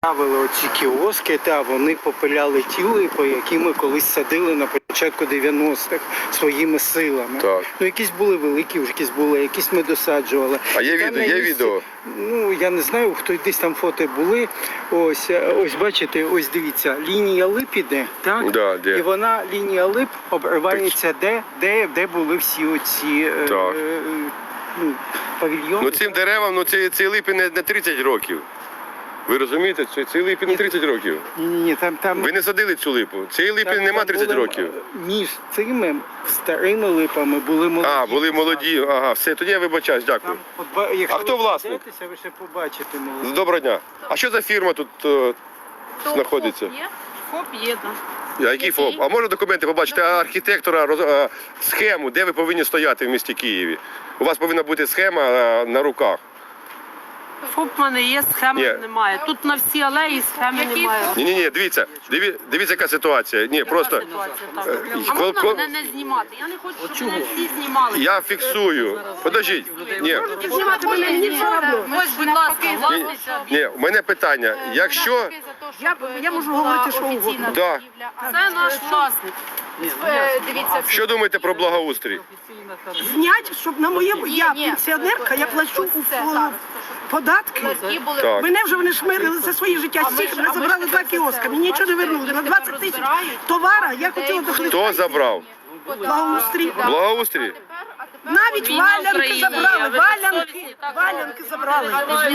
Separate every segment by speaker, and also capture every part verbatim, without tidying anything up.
Speaker 1: Ставили оці кіоски, та вони попиляли ті липи, які ми колись садили на початку дев'яностих своїми силами.
Speaker 2: Так.
Speaker 1: Ну, якісь були великі, якісь були, якісь ми досаджували.
Speaker 2: А є
Speaker 1: Там
Speaker 2: відео, є
Speaker 1: місці-
Speaker 2: відео?
Speaker 1: Ну, я не знаю, хто десь там фото були. Ось, ось бачите, ось дивіться, лінія лип іде, так?
Speaker 2: Да, де?
Speaker 1: І вона, лінія лип, обривається де, де, де були всі оці е,
Speaker 2: Так.
Speaker 1: е, ну, павільйони.
Speaker 2: Ну цим деревам, ну ці, ці липи не, не тридцять років. Ви розумієте, ці, ці липи не тридцять років.
Speaker 1: Ні, ні, ні, там, там...
Speaker 2: Ви не садили цю липу. Цієї липи
Speaker 1: Там-
Speaker 2: нема
Speaker 1: там
Speaker 2: тридцять
Speaker 1: були,
Speaker 2: років.
Speaker 1: Між цими старими липами були молоді.
Speaker 2: А, були молоді. Ага, все, тоді я вибачаюсь, дякую.
Speaker 1: Там, от, ба- якщо
Speaker 2: А хто
Speaker 1: ви
Speaker 2: власник?
Speaker 1: подивитеся, ви ще побачите молоді.
Speaker 2: Доброго дня. А що за фірма тут е, знаходиться?
Speaker 3: ФОП є? ФОП є, так.
Speaker 2: А який ФОП? А можна документи побачити архітектора, роз- е, схему, де ви повинні стояти в місті Києві? У вас повинна бути схема е, на руках.
Speaker 3: ФОП в мене є, схеми
Speaker 2: Ні.
Speaker 3: немає. Тут на всі алеї схеми немає.
Speaker 2: Ні, ні, ні, дивіться, диві, дивіться, яка ситуація. Ні, просто
Speaker 3: Ситуація так.
Speaker 2: Е,
Speaker 3: А
Speaker 2: кол-
Speaker 3: можна
Speaker 2: кол-
Speaker 3: мене не знімати? Я не хочу, щоб мене всі знімали.
Speaker 2: я фіксую. Подождіть. Ні,
Speaker 3: Знімати мене не треба. Ось, будь ласка, власниця.
Speaker 2: ні, у мене питання. Якщо
Speaker 4: Я, я можу говорити, що угодно.
Speaker 2: да,
Speaker 3: Це наш власник.
Speaker 5: Дивіться,
Speaker 2: що думаєте про благоустрій?
Speaker 4: Знять, щоб на моє... Я
Speaker 5: ні.
Speaker 4: пенсіонерка, я плачу у
Speaker 5: Це
Speaker 4: ф-
Speaker 5: так.
Speaker 4: податки.
Speaker 5: Які були
Speaker 2: Так.
Speaker 4: Мене вже вони шмирили за своє життя. Стільки мене забрали два кіоска. Мені нічого не вернули. На двадцять тисяч товара я хотіла дохлити.
Speaker 2: Хто забрав?
Speaker 4: Благоустрій.
Speaker 2: Благоустрій?
Speaker 4: Навіть
Speaker 3: Війна в
Speaker 4: валянки
Speaker 3: Україні,
Speaker 4: забрали.
Speaker 3: а ви
Speaker 4: Валянки.
Speaker 3: совісті так
Speaker 4: Валянки забрали.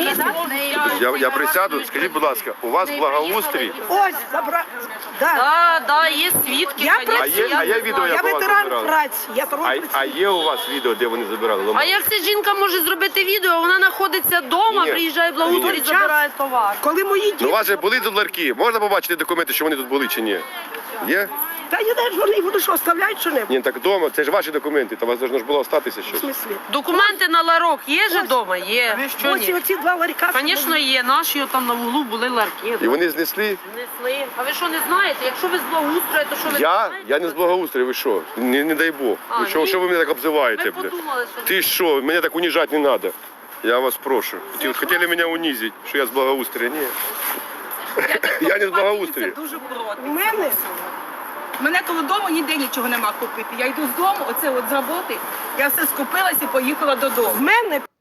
Speaker 2: Я, я присяду, скажіть, будь ласка, у вас благоустрій?
Speaker 4: Ось забрали. Да.
Speaker 3: Так, так, є свідки.
Speaker 4: Я
Speaker 3: конечно,
Speaker 2: А є, а є
Speaker 3: не
Speaker 2: відео,
Speaker 3: знаю.
Speaker 4: Я
Speaker 2: як у вас
Speaker 4: ветеран
Speaker 2: забирали?
Speaker 4: праці. Я
Speaker 2: А,
Speaker 4: торговець.
Speaker 2: а є у вас відео, де вони забирали?
Speaker 3: А
Speaker 2: Лампу?
Speaker 3: як ця жінка може зробити відео? Вона знаходиться вдома,
Speaker 2: Ні.
Speaker 3: приїжджає благоустрій,
Speaker 2: Ні.
Speaker 3: забирає товар.
Speaker 4: Коли мої
Speaker 2: Ну,
Speaker 4: діти...
Speaker 2: у вас же були тут ларки? Можна побачити документи, що вони тут були чи ні? Є?
Speaker 4: Та я навіть вони вони що, оставляють що-небудь?
Speaker 2: Ні, так вдома, це ж ваші документи, то у вас должно ж було остатися
Speaker 4: В
Speaker 2: щось.
Speaker 4: смислі?
Speaker 3: Документи на ларок є же вдома? Є. Що
Speaker 4: Ось і
Speaker 3: ні?
Speaker 4: оці два ларька.
Speaker 3: Звісно, є. Наші там на вуглу були ларки.
Speaker 2: І вони знесли?
Speaker 3: Несли. А ви що не знаєте? Якщо ви з благоустрою, то що ви
Speaker 2: Я?
Speaker 3: не знаєте?
Speaker 2: Я не з благоустрою, ви що? Не, не дай Бог.
Speaker 3: А,
Speaker 2: Ви що,
Speaker 3: ні?
Speaker 2: що ви мене так обзиваєте,
Speaker 3: Ми
Speaker 2: бля?
Speaker 3: подумали, що...
Speaker 2: Ти що, мене так унижати не треба. Я вас прошу. Хотіли, хотіли мене унизити, що я з благоустрою. Ні. Я не з благоустрою.
Speaker 6: Дуже проти.
Speaker 4: У мене
Speaker 6: У мене коло дому ніде нічого нема купити. Я йду з дому, оце от з роботи, я все скупилась і поїхала додому.
Speaker 4: в мене